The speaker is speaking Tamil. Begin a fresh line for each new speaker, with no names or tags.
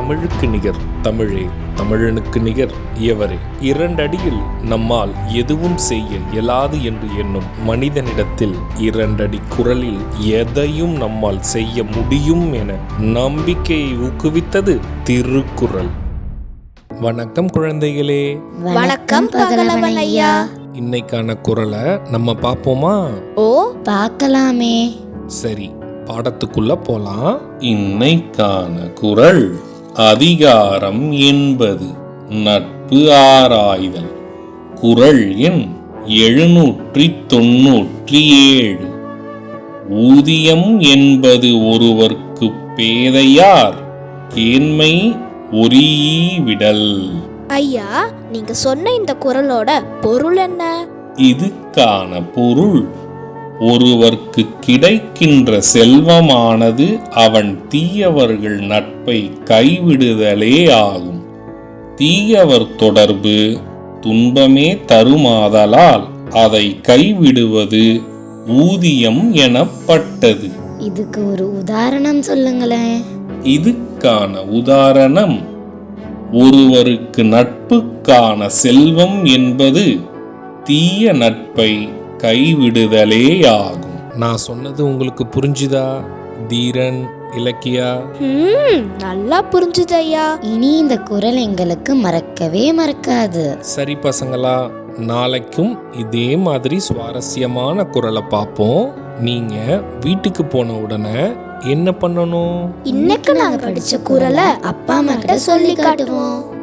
தமிழுக்கு நிகர் தமிழே, தமிழனுக்கு நிகர் எவரே. 2 அடியில் நம்மால் எதுவும் செய்ய இயலாது என்று எண்ணும் மனிதனிடத்தில் 2 அடி குரலில் எதையும் நம்மால் செய்ய முடியும் என நம்பிக்கையை ஊக்குவித்தது திருக்குறள். வணக்கம் குழந்தைகளே.
வணக்கம் பகலவன் ஐயா.
இன்னைக்கான குறளை நம்ம பார்ப்போமா?
ஓ, பார்க்கலாமே.
சரி, பாடத்துக்குள்ள போலாம். இன்னைக்கான குறள் அதிகாரம் 80 நட்பு ஆராய்தல். குறள் எண் 797. ஊதியம் என்பது ஒருவர்க்கு பேதையார் கேண்மை ஒரீஇ விடல்.
ஐயா, நீங்க சொன்ன இந்த குறளோட பொருள் என்ன?
இதுக்கான பொருள், ஒருவர்க்கு கிடைக்கின்ற செல்வமானது அவன் தீயவர்கள் நட்பை கைவிடுதலே ஆகும். தீயவர் தொடர்பு துன்பமே தருமாதலால் அதை கைவிடுவது ஊதியம் எனப்பட்டது.
இதுக்கு ஒரு உதாரணம் சொல்லுங்களேன்.
இதுக்கான உதாரணம், ஒருவருக்கு நட்புக்கான செல்வம் என்பது தீய நட்பை கைவிடுதலே ஆகும். நான் சொன்னது உங்களுக்கு புரிஞ்சுதா தீரன், இலக்கியா?
நல்லா புரிஞ்சுது ஐயா. இனி இந்த குறள் எங்களுக்கு மறக்கவே மறக்காது.
சரி பசங்களா, நாளைக்கும் இதே மாதிரி சுவாரஸ்யமான குறளை பார்ப்போம். நீங்க வீட்டுக்கு போன உடனே என்ன பண்ணணும்?
இன்னைக்கு நாங்க படிச்ச குறளை அப்பா அம்மா கிட்ட சொல்லி காட்டுவோம்.